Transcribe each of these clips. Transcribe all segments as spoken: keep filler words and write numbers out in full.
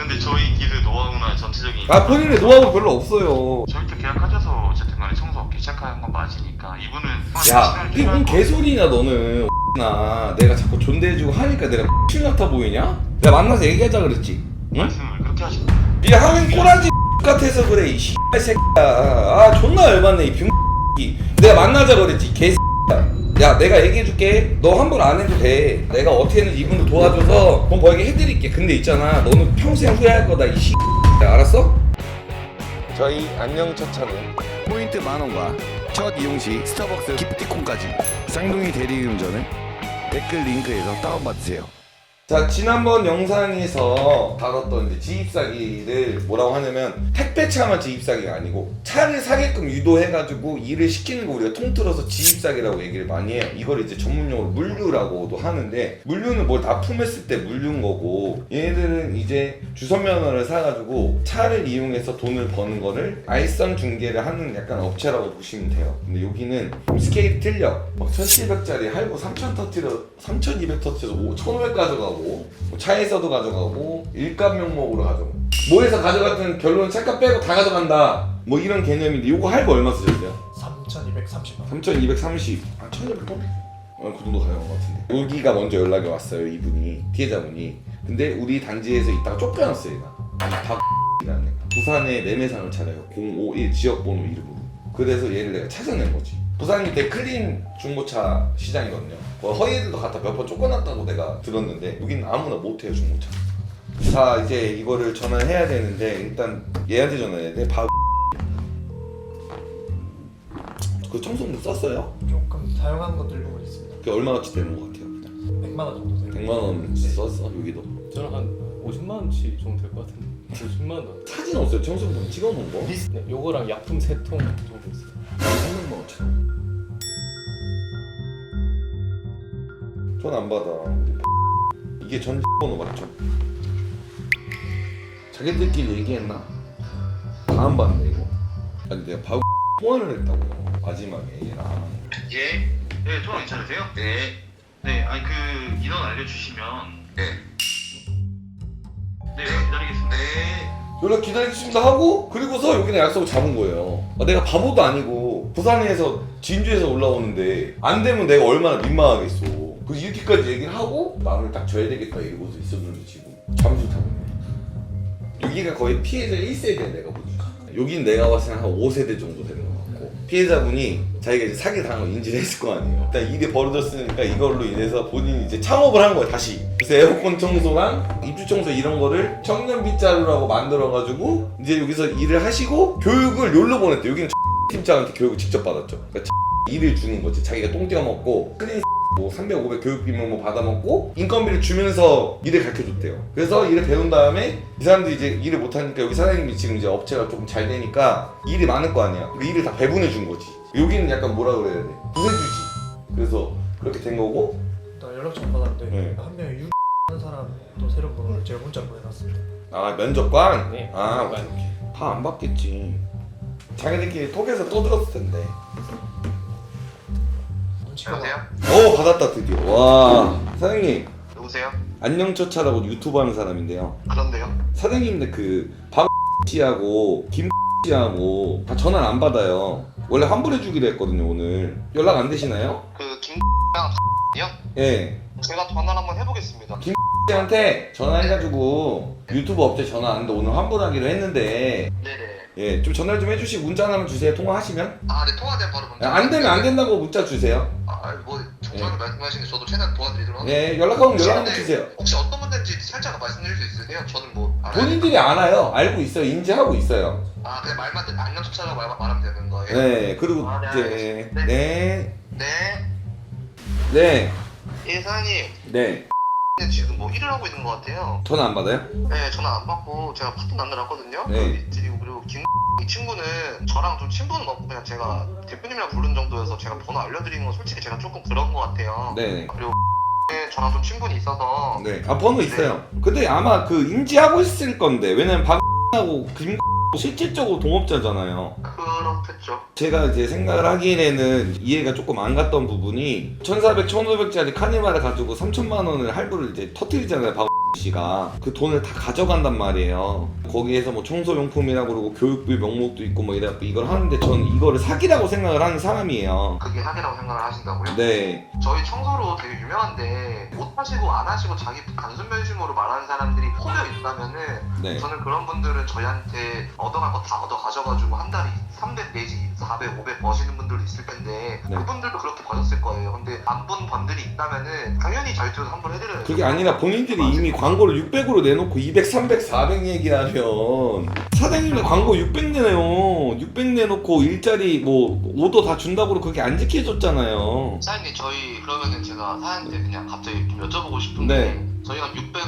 근데 저희 길의 노하우나 전체적인 아 본인의 노하우 별로 없어요. 저희도 계약하셔서 어쨌든 간에 청소 개체카한 건 맞으니까 이분은 야 이게 뭔 개소리냐 너는. 나 내가 자꾸 존대해주고 하니까 내가 X 같아 보이냐? 내가 만나서 얘기하자 그랬지. 응? 말씀을 그렇게 하시고 이 하긴 꼬라지 같아서 그래 이 씨발 새끼야. 아 존나 열받네 이 병이. 내가 만나자 그랬지 개 야 내가 얘기해줄게. 너 환불 안 해도 돼. 내가 어떻게든 이분도 도와줘서 돈 벌게 해드릴게. 근데 있잖아 너는 평생 후회할 거다 이 씨. 알았어? 저희 안녕 첫 차는 포인트 만원과 첫 이용 시 스타벅스 기프티콘까지 쌍둥이 대리운전을 댓글 링크에서 다운받으세요. 자 지난번 영상에서 다뤘던 이제 지입사기를 뭐라고 하냐면 택배차만 지입사기가 아니고 차를 사게끔 유도해가지고 일을 시키는 거 우리가 통틀어서 지입사기라고 얘기를 많이 해요. 이걸 이제 전문용어로 물류라고도 하는데 물류는 뭘 납품했을 때 물류인 거고 얘네들은 이제 주선면허를 사가지고 차를 이용해서 돈을 버는 거를 알선 중개를 하는 약간 업체라고 보시면 돼요. 근데 여기는 스케일이 틀려. 막 천칠백짜리 할부 삼천 터트려 삼천이백 터트려서 천오백 가져가고 뭐 차에서도 가져가고 일감 명목으로 가져가고 뭐해서 가져갔든 결론은 차값 빼고 다 가져간다 뭐 이런 개념인데 요거 할부 얼마 쓰셨어요? 삼천이백삼십 원. 삼천이백삼십. 아 천이백 원? 어, 그 정도 가져간 것 같은데 여기가 먼저 연락이 왔어요 이분이 피해자분이. 근데 우리 단지에서 있다가 쫓겨났어요 얘가. 아니 다 X라는 애가 부산에 매매상을 차려요. 공오일 지역번호 이름으로. 그래서 얘를 내가 찾아낸 거지. 부산이 되게 클린 중고차 시장이거든요. 허위들도 갖다 몇 번 쫓겨났다고 내가 들었는데 여기는 아무나 못해요 중고차. 자 이제 이거를 전화를 해야 되는데 일단 얘한테 전화해야 돼. 바... 그 청소부 썼어요? 조금 사용한 것들 부분 있습니다. 그게 얼마어치 되는 것 같아요 그냥? 백만 원 정도 돼요. 백만 원 썼어 여기도? 저는 한 오십만 원치 정도 될 것 같은데. 오십만 원. 사진 없어요 청소부 찍어놓은 거? 네, 요거랑 약품 세 통 정도 있어요. 삼백만 원치. 전 안 받아. 이게 전 번호 맞죠? 자기들끼리 얘기했나? 다 안 받네 이거. 아니 내가 바로 통화를 했다고 마지막에 얘랑. 예? 네 통화 괜찮으세요? 네. 네 아니 그 인원 알려주시면 네. 네 기다리겠습니다. 네. 연락 기다리겠습니다 하고 그리고서 여기는 약속을 잡은 거예요. 아, 내가 바보도 아니고 부산에서 진주에서 올라오는데 안 되면 내가 얼마나 민망하겠어. 그래서 이렇게까지 얘기를 하고 마음을 딱 줘야 되겠다 이러고서 있었는데 지금 잠수 타고 있네. 여기가 거의 피해자 일 세대 내가 보니까. 여긴 내가 봤을 때 한 오 세대 정도 되는 것 같고 피해자분이 자기가 이제 사기 당한 걸 인지를 했을 거 아니에요. 일단 일이 벌어졌으니까 이걸로 인해서 본인이 이제 창업을 한 거야 다시. 그래서 에어컨 청소랑 입주 청소 이런 거를 청년 빗자루라고 만들어가지고 이제 여기서 일을 하시고 교육을 욜로 보냈대. 여기는 팀장한테 교육을 직접 받았죠. 그러니까 일을 주는 거지. 자기가 똥 떼어 먹고 클린 뭐 삼백, 오백 교육비만 뭐 받아먹고 인건비를 주면서 일을 가르쳐줬대요. 그래서 일을 배운 다음에 이 사람들이 이제 일을 못하니까 여기 사장님이 지금 이제 업체가 조금 잘 되니까 일이 많을 거 아니야. 그 일을 다 배분해 준 거지. 여기는 약간 뭐라 그래야 돼? 구세주지. 그래서 그렇게 된 거고. 나 연락처 받았는데 네. 한 명이 유 하는 사람 또 새로운 번호를 제가 문자 보내놨습니다. 아 면접관? 네. 아 다 안 받겠지. 자기들끼리 톡에서 또 들었을 텐데. 여보세요? 오 받았다 드디어. 와 사장님 여보세요? 안녕처차라고 유튜브 하는 사람인데요. 그런데요? 사장님인데 그 박 씨하고 김 씨하고 다 전화를 안 받아요. 원래 환불해 주기로 했거든요 오늘. 연락 안 되시나요? 그 김이랑 이요? 예. 제가 전화를 한번 해보겠습니다. 김 씨한테 전화해가지고 유튜브 업체 전화 왔는데 오늘 환불하기로 했는데 네네. 예 좀 전화 좀 해주시고 문자 하나만 주세요. 통화하시면. 아, 네 통화되면 바로 문자. 예, 안 되면 안 된다고 문자 주세요. 아, 뭐 정확하게 말씀하시는데 저도 최대한 도와드리도록 예 연락하면 연락 한번 근데 주세요. 혹시 어떤 문제인지 살짝 말씀드릴 수 있으세요? 저는 뭐 알아요. 본인들이 알아요. 알고 있어요. 인지하고 있어요. 아, 그냥 말만 듣- 안녕 쫓아라고 말, 말하면 되는 거예요? 네 그리고 아, 네, 이제 알겠습니다. 네 네. 네 예, 사장님. 네 지금 뭐 일을 하고 있는 것 같아요. 전화 안 받아요? 네, 전화 안 받고 제가 파트 만들었거든요. 네. 그리고 그리고 김 이 친구는 저랑 좀 친분은 없고 그냥 제가 대표님이랑 부른 정도여서 제가 번호 알려드리는 건 솔직히 제가 조금 그런 것 같아요. 네네. 그리고 저랑 좀 친분이 있어서 네. 아 번호 있어요. 근데 아마 그 인지하고 있을 건데 왜냐면 박하고 김 실질적으로 동업자잖아요. 그렇겠죠. 제가 이제 생각을 하기에는 이해가 조금 안 갔던 부분이 천사백, 천오백짜리 카니발을 가지고 삼천만 원을 할부를 이제 터뜨리잖아요. 박 씨가 그 돈을 다 가져간단 말이에요. 거기에서 뭐 청소용품이라고 그러고 교육비 명목도 있고 뭐 이래갖고 이걸 하는데 저는 이거를 사기라고 생각을 하는 사람이에요. 그게 사기라고 생각을 하신다고요? 네. 저희 청소로 되게 유명한데 못 하시고 안 하시고 자기 단순 변심으로 말하는 사람들이 포져 있다면은 네. 저는 그런 분들은 저희한테 얻어갈 거 다 얻어 가져가지고 한 달에 삼백 내지 사백, 오백 버시는 분들도 있을 텐데 네. 그분들도 그렇게 버셨을 거예요. 근데 안 본 번들이 있다면은 당연히 저희 쪽에서 환불해드려요. 그게 아니라 본인들이 이미 광고를 육백으로 내놓고 이백, 삼백, 사백 얘기하면 사장님들 광고 육백 내네요. 육백 내놓고 일자리 뭐 오더 다 준다고 그렇게 안 지켜줬잖아요. 사장님 저희 그러면은 제가 사장님한테 그냥 갑자기 좀 여쭤보고 싶은 네. 게 저희가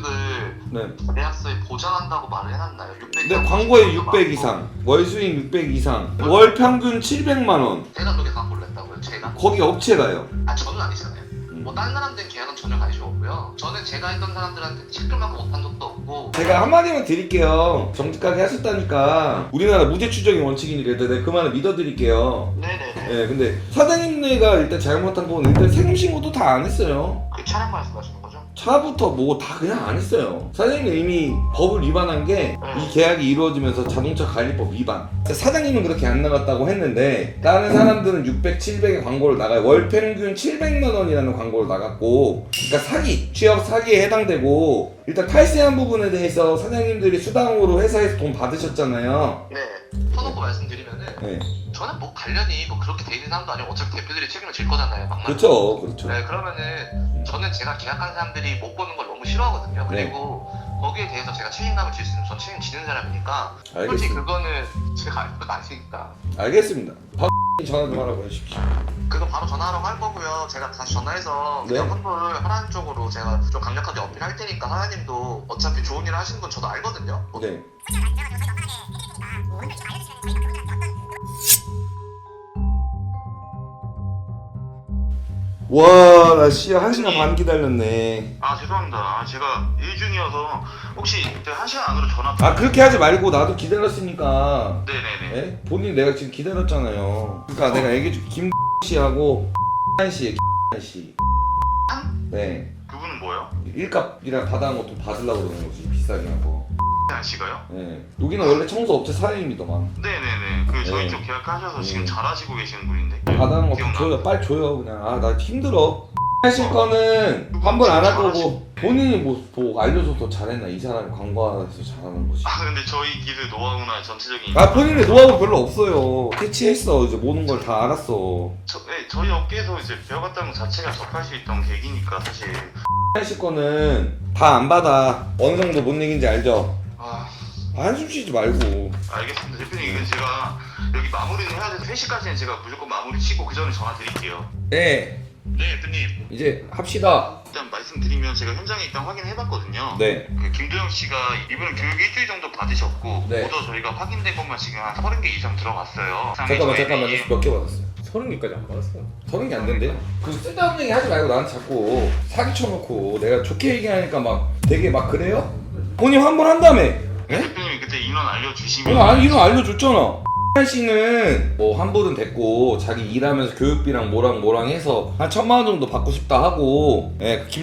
육백을 네. 계약서에 보장한다고 말을 해놨나요? 육백 근데 광고에 육백 이상, 월 수익 육백 이상, 월 평균 칠백만 원. 제가 그렇게 광고를 냈다고요? 제가? 거기 업체가요. 아 저는 아니잖아요. 뭐 다른 사람들은 계약은 전혀 관심 없고요. 저는 제가 했던 사람들한테 시끌만큼 못한 적도 없고. 제가 한마디만 드릴게요. 정직하게 하셨다니까. 우리나라 무죄 추정이 원칙이니까 일단 내가 그 말을 믿어드릴게요. 네네네. 예, 근데 사장님네가 일단 잘못한 건 일단 세금 신고도 다 안 했어요. 그 차량 말씀하시는 거죠? 차부터 뭐 다 그냥 안 했어요. 사장님이 이미 법을 위반한 게 이 계약이 이루어지면서 자동차 관리법 위반. 사장님은 그렇게 안 나갔다고 했는데 다른 사람들은 육백, 칠백의 광고를 나가요. 월 평균 칠백만 원이라는 광고를 나갔고, 그러니까 사기, 취업 사기에 해당되고, 일단 탈세한 부분에 대해서 사장님들이 수당으로 회사에서 돈 받으셨잖아요. 네. 터놓고 말씀드리면은 네. 저는 뭐 관련이 뭐 그렇게 돼 있는 사람도 아니고 어차피 대표들이 책임을 질 거잖아요. 막말. 그렇죠, 그렇죠. 네, 그러면은 저는 제가 계약한 사람들이 못 보는 걸 너무 싫어하거든요. 그리고 거기에 대해서 제가 책임감을 질 수 있는 전 책임지는 사람이니까 솔직히 알겠습니다. 그거는 제가 알 것 아니니까 알겠습니다. 박 전화 좀 하라고 해주십시오. 그거 바로 전화하라고 할 거고요. 제가 다시 전화해서 그냥 네. 환불 하라는 쪽으로 제가 좀 강력하게 어필할 테니까 하나님도 어차피 좋은 일 하시는 건 저도 알거든요. 네. 와, 나 씨야 한 시간 반 기다렸네. 아 죄송합니다. 아, 제가 일 중이어서 혹시 제가 한 시간 안으로 전화. 아, 그렇게 하지 말고 나도 기다렸으니까. 네네네. 예? 본인 내가 지금 기다렸잖아요. 그러니까 내가 얘기해줄게. 김 씨하고 한 씨, 한 씨. 네. 그분은 뭐예요? 일값이랑 받아온 거 돈 받으려고 그러는 거지. 비싸게 한 거. 안 씨가요? 예. 여기는 원래 청소업체 사장님이더만. 네네네. 그 저희 네. 쪽 계약하셔서 지금 음. 잘하시고 계시는 분인데. 받아온 거 기억나? 줘요. 빨리 줘요. 그냥. 아, 나 힘들어. 하실 거는 환불 안 할 거고 본인이 뭐, 뭐 알려줘서 더 잘했나. 이 사람이 광고해서 잘하는 거지. 아 근데 저희 기술 노하우나 전체적인. 아, 본인의 노하우 별로 없어요. 캐치했어. 이제 모든 걸 다 알았어. 저, 네, 저희 업계에서 이제 배워갔다는 것 자체가 접할 수 있던 계기니까 사실. 하실 거는 다 안 받아. 어느 정도 뭔 얘기인지 알죠? 아 한숨 쉬지 말고. 알겠습니다 대표님. 이건 제가 여기 마무리는 해야 돼서 세 시까지는 제가 무조건 마무리 치고 그 전에 전화 드릴게요. 네, 네 대표님. 이제 합시다. 일단 말씀드리면 제가 현장에 일단 확인해봤거든요. 네. 그 김도영 씨가 이분은 교육 일주일 정도 받으셨고 네. 오더 저희가 확인된 것만 지금 한 서른 개 이상 들어갔어요. 잠깐만, 잠깐만. 몇 개 받았어요? 서른 개까지 안 받았어요. 서른 개 안 된대요. 그 쓸데없는 얘기 하지 말고 나한테 자꾸 사기 쳐놓고 내가 좋게 얘기하니까 막 되게 막 그래요? 본인 환불한다며. 예? 대표님이 그때 인원 알려주시면 오늘 안, 이거 알려줬잖아. 한 씨는 뭐 환불은 됐고 자기 일하면서 교육비랑 뭐랑 뭐랑 해서 한 천만 원 정도 받고 싶다 하고, 예, 김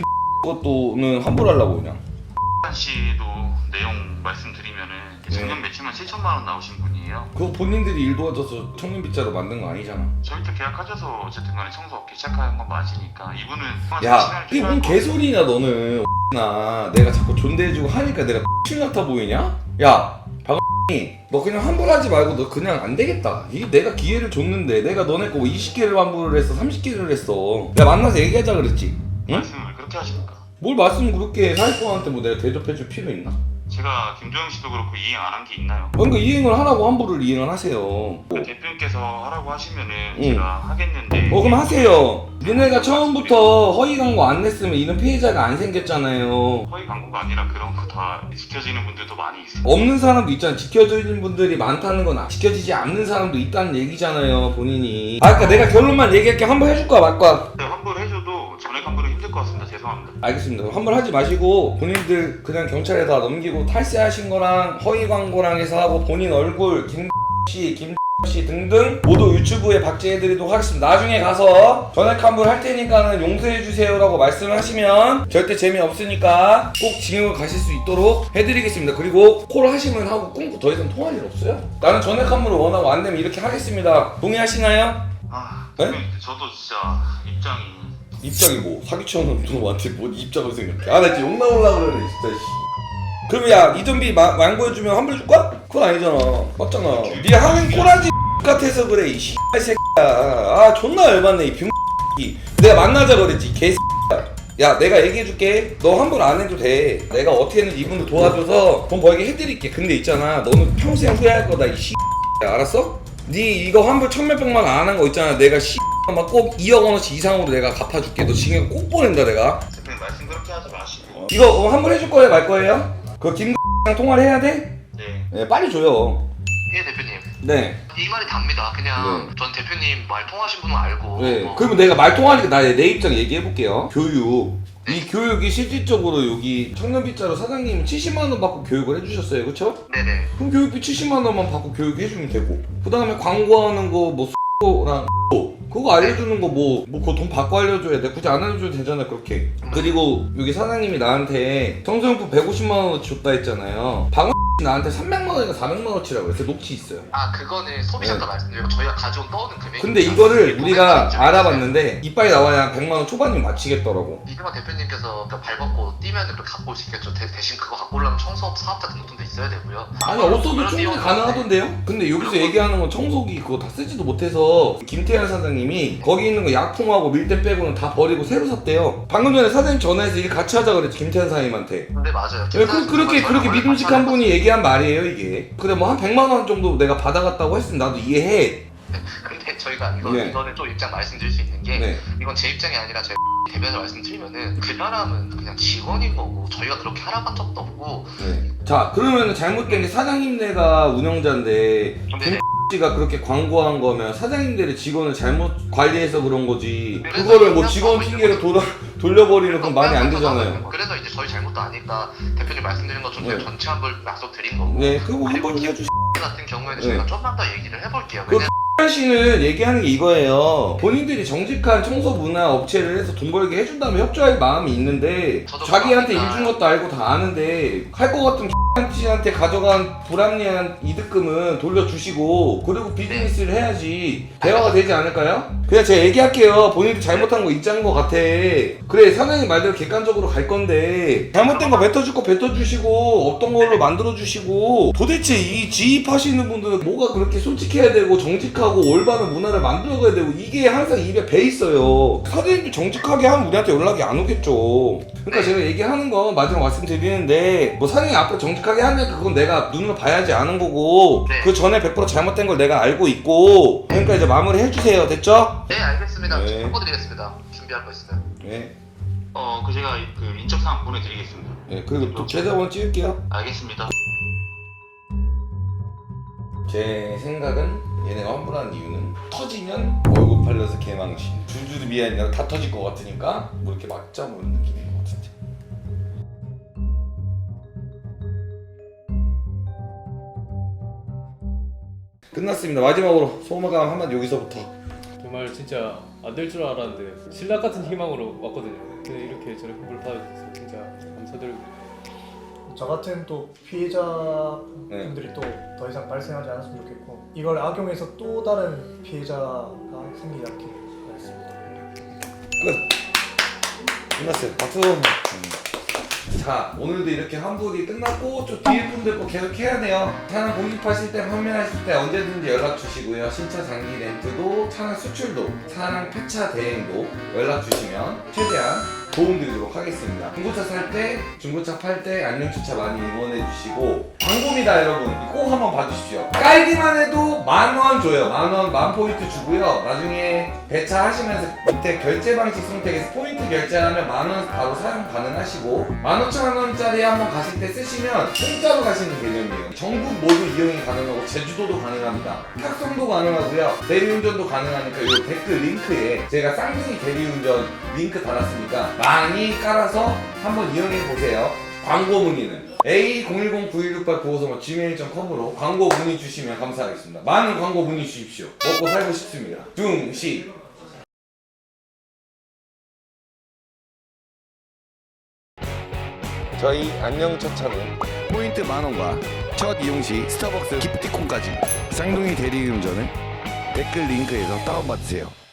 것도는 환불하려고 그냥. 한 씨도 내용 말씀드리면은 작년 매출만 칠천만 원 나오신 분이에요. 그거 본인들이 일 도와줘서 청년 빗자루 만든 거 아니잖아. 저희도 계약하셔서 어쨌든 간에 청소업계 시작하는 건 맞으니까 이분은 야, 이게 뭔 개소리냐 너는. 나 내가 자꾸 존대해주고 하니까 내가 X 같아 보이냐? 야, 박이 너 그냥 환불하지 말고 너 그냥 안 되겠다. 이게 내가 기회를 줬는데 내가 너네 거 이십 개를 환불을 했어, 삼십 개를 했어. 야, 만나서 얘기하자 그랬지. 응? 말씀을 그렇게 하십니까? 뭘 말씀 그렇게 해. 사기꾼한테 뭐 내가 대접해줄 필요 있나? 제가 김도영 씨도 그렇고 이행 안 한 게 있나요? 그러니까 이행을 하라고 환불을 이행을 하세요. 그 대표님께서 하라고 하시면은 응. 제가 하겠는데. 어, 그럼 하세요. 니네가 처음부터 허위 광고 안 냈으면 이런 피해자가 안 생겼잖아요. 허위 광고가 아니라 그런 거 다 지켜지는 분들도 많이 있어요. 없는 사람도 있잖아. 지켜지는 분들이 많다는 건 지켜지지 않는 사람도 있다는 얘기잖아요, 본인이. 아, 그러니까 내가 결론만 얘기할게. 환불 해줄 거야, 말 거야? 네, 환불해줘도 전액 환불은 힘들 것 같습니다. 죄송합니다. 알겠습니다. 환불하지 마시고 본인들 그냥 경찰에 다 넘기고 탈세하신 거랑 허위 광고랑 해서 하고 본인 얼굴 김씨, 김 씨 등등 모두 유튜브에 박제해드리도록 하겠습니다. 나중에 가서 전액 환불 할 테니까는 용서해주세요라고 말씀하시면 절대 재미없으니까 꼭 징역을 가실 수 있도록 해드리겠습니다. 그리고 콜 하시면 하고 끊고 더 이상 통할 일 없어요. 나는 전액 환불을 원하고 안 되면 이렇게 하겠습니다. 동의하시나요? 아 네? 대표님 저도 진짜 입장이 입장이 뭐 사기쳐놓은 놈한테 뭐 입장을 생각해. 아 나 진짜 욕 나올라 그러네 진짜 씨. 그럼 야 이전비 완고해주면 환불 줄까? 그건 아니잖아. 맞잖아. 네 하는 꼬라지 같아서 그래 이 씨발 새끼야. 아 존나 열받네 이 병. 내가 만나자 그랬지 개. 야 내가 얘기해줄게. 너 환불 안 해도 돼. 내가 어떻게든 이분을 도와줘서 돈 벌게 해드릴게. 근데 있잖아 너는 평생 후회할 거다 이 씨. 알았어? 네 이거 환불 천몇백만 원 안 한 거 있잖아. 내가 씨. 막 꼭 이억 원어치 이상으로 내가 갚아줄게. 너 징역 꼭 보낸다 내가. 대표님 말씀 그렇게 하지 마시고. 이거 어, 환불 해줄 거예요 말 거예요? 그거 김랑 통화를 해야 돼? 네. 네 빨리 줘요. 예 대표님 네. 이 말이 답니다. 그냥 네. 전 대표님 말 통하신 분은 알고 네. 뭐 그러면 내가 말 통하니까 나 내 입장 얘기해 볼게요. 교육. 이 교육이 실질적으로 여기 청년빗자루 사장님이 칠십만 원 받고 교육을 해주셨어요, 그렇죠? 네네 그럼 교육비 칠십만 원만 받고 교육해주면 되고, 그 다음에 광고하는 거 뭐 랑 그거 알려주는 거 뭐 뭐 그거 돈 받고 알려줘야 돼. 굳이 안 알려줘도 되잖아 그렇게. 그리고 여기 사장님이 나한테 청소용품 백오십만 원어치 줬다 했잖아요. 방금 나한테 삼백만 원인가 사백만 원어치라고 했어요. 녹취 있어요. 아 그거는 소비자가 네. 말씀드리고 저희가 가져온 떠오는 금액이 근데 이거를 우리가 알아봤는데 이빨이 나와야 백만 원 초반이면 맞히겠더라고. 이병헌 대표님께서 그 발벗고 뛰면 그 갖고 오시겠죠. 대, 대신 그거 갖고 오려면 청소업 사업자 등록금도 있어야 되고요. 아니 없어도 그런 충분히 내용은 가능하던데요? 근데 여기서 얘기하는 건 청소기 그거 다 쓰지도 못해서 김태현 사장님이 거기 있는 거 약품하고 밀대 빼고는 다 버리고 새로 샀대요. 방금 전에 사장님 전화해서 일 같이 하자 그랬지 김태현 사장님한테. 네 맞아요. 네, 그, 그렇게 그렇게 믿음직한 분이 얘기한 말이에요 이게. 그래 뭐 한 백만 원 정도 내가 받아갔다고 했으면 나도 이해해. 근데 저희가 이거, 네. 이거는 좀 입장 말씀드릴 수 있는 게 네. 이건 제 입장이 아니라 제 대변에서 말씀드리면은 그 사람은 그냥 직원인 거고 저희가 그렇게 하라고 한 적도 없고 네. 자 그러면 잘못된 게 사장님네가 운영자인데 네. 씨가 그렇게 광고한 거면 사장님들의 직원을 잘못 관리해서 그런 거지. 그래서 그거를 뭐 그냥 직원 하고 있는 핑계로 돌아, 돌려버리는 건 말이 안 되잖아요. 그래서 이제 저희 잘못도 아니까 대표님 말씀드린 것처럼 네. 제가 전체 환불 약속 드린 거고 네, 그거 그리고 한번 김 해주시. 같은 경우에는 네. 저희가 좀만 더 얘기를 해볼게요. 그 왜냐면 X 씨는 얘기하는 게 이거예요. 본인들이 정직한 청소 문화 업체를 해서 돈 벌게 해준다면 협조할 마음이 있는데 저도 자기한테 일 그렇습니다. 준 것도 알고 다 아는데 할 것 같은 X 씨한테 가져간 불합리한 이득금은 돌려주시고 그리고 비즈니스를 해야지 대화가 되지 않을까요? 그냥 제가 얘기할게요. 본인들이 잘못한 거 있자는 것 같아. 그래 사장님 말대로 객관적으로 갈 건데 잘못된 거 뱉어줄 거 뱉어주시고 없던 걸로 만들어주시고 도대체 이 지입하시는 분들은 뭐가 그렇게 솔직해야 되고 정직하고 올바른 문화를 만들어가야 되고 이게 항상 입에 배 있어요. 사장님도 정직하게 하면 우리한테 연락이 안 오겠죠. 그러니까 제가 얘기하는 건 마지막 말씀드리는데 뭐 사장님 앞에 정직하게 하면 그건 내가 눈으로 봐야지 아는 거고 네. 그 전에 백 퍼센트 잘못된 걸 내가 알고 있고 그러니까 이제 마무리 해주세요. 됐죠? 네 알겠습니다. 네. 바꿔드리겠습니다. 준비할 거 있어요. 네. 어, 그 제가 그 인적사항 보내드리겠습니다. 네 그리고 또 계좌번호 찍을게요. 알겠습니다. 제 생각은 얘네가 환불하는 이유는 터지면 월급 팔려서 개망신 줄줄이 미안해 다 터질 것 같으니까 뭐 이렇게 맞자 뭐 이런 느낌인 것 같은데. 끝났습니다. 마지막으로 소감한 한마디 여기서부터. 정말 진짜 안 될 줄 알았는데 신락 같은 희망으로 왔거든요. 근데 이렇게 저렇게 환불 받아주셔서 진짜 감사드리고 저 같은 또 피해자분들이 또 더 이상 발생하지 않았으면 좋겠고 이걸 악용해서 또 다른 피해자가 생기지 않게 바라겠습니다. 끝. 끝났어요. 박수. 음. 자 오늘도 이렇게 환불이 끝났고 좀 뒤에 분들 거 계속 해야 돼요. 차량 공급하실 때 판매하실 때 언제든지 연락 주시고요. 신차 장기 렌트도 차량 수출도 차량 폐차 대행도 연락 주시면 최대한 도움드리도록 하겠습니다. 중고차 살 때 중고차 팔 때 안녕주차 많이 응원해 주시고 광고입니다 여러분. 꼭 한번 봐주십시오. 깔기만 해도 만 원 줘요. 만 원, 만 포인트 주고요. 나중에 배차하시면서 밑에 결제 방식 선택에서 포인트 결제하면 만 원 바로 사용 가능하시고 만 오천 원짜리 한번 가실 때 쓰시면 공짜로 가시는 개념이에요. 전국 모두 이용이 가능하고 제주도도 가능합니다. 탁송도 가능하고요. 대리운전도 가능하니까 이 댓글 링크에 제가 쌍둥이 대리운전 링크 달았으니까 많이 깔아서 한번 이용해 보세요. 광고 문의는 에이 공일공 구일육팔 구오삼오 지메일 닷컴으로 광고 문의 주시면 감사하겠습니다. 많은 광고 문의 주십시오. 먹고 살고 싶습니다. 중시. 저희 안녕 첫 차는 포인트 만원과 첫 이용 시 스타벅스 기프티콘까지 쌍둥이 대리운전을 댓글 링크에서 다운받으세요.